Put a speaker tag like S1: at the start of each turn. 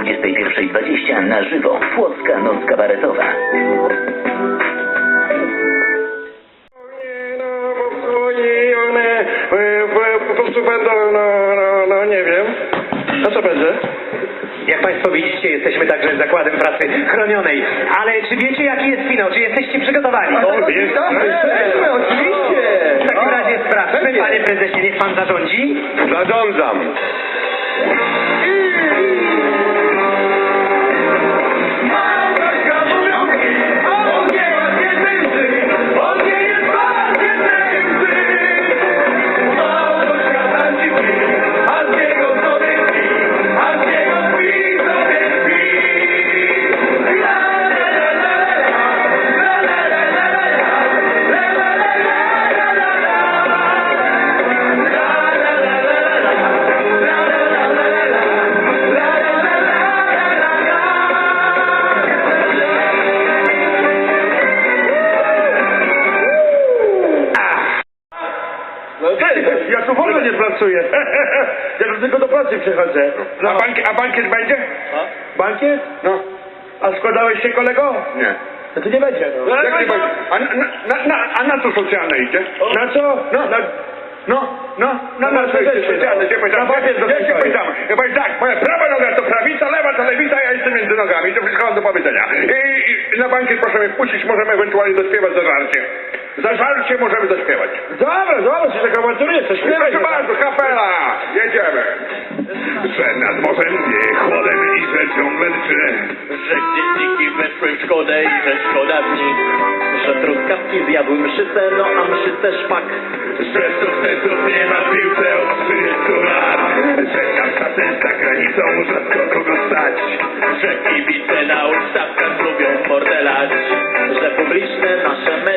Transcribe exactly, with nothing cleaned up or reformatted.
S1: dwudziestej pierwszej dwadzieścia na żywo. Płocka Noc Kabaretowa.
S2: Nie, no, bo i one e, po prostu będą, no, no, no, nie wiem. A co będzie?
S3: Jak Państwo widzicie, jesteśmy także zakładem pracy chronionej. Ale czy wiecie, jaki jest finał? Czy jesteście przygotowani?
S2: O, jesteśmy, oczywiście!
S3: W takim razie sprawdźmy, panie prezesie, niech pan zarządzi.
S2: Zarządzam.
S4: Ja tu w ogóle nie pracuję. Ja tu tylko do pracy przychodzę.
S2: A, bank, a bankiet będzie?
S4: Bankiet?
S2: No.
S4: A składałeś się, kolego?
S2: Nie.
S4: No to nie będzie. No.
S2: Jak nie będzie? A na, na, na, a na co socjalne idzie?
S4: Na co?
S2: No.
S4: Na...
S2: No, no, no, na co idzie socjalne? Cię pytam.
S4: Na papier
S2: Ja cię
S4: dosypaj.
S2: pytam. Ja powiem tak, moja prawa noga to prawica, lewa to lewica, ja jestem między nogami. To wszystko mam do powiedzenia. I, i na bankiet proszę mnie wpuścić, możemy ewentualnie zaśpiewać za żarcie. Za żarcie możemy zaśpiewać.
S4: Dobra, dobra, się tak awanturuje, coś śpiewaj.
S2: Proszę bardzo, kapela! Jedziemy! Że nad morzem wie chłodem i że ciągle drży.
S5: Że dzienniki weszły w szkodę i że szkoda dni. Że truskawki zjadły mszyce, no a mszyce szpak.
S2: Że sukcesów nie ma w piłce od trzydziestu lat. Że Kamczaty za granicą rzadko kogo stać.
S5: Że kibice na ustawkach lubią mordelać. Że publiczne nasze media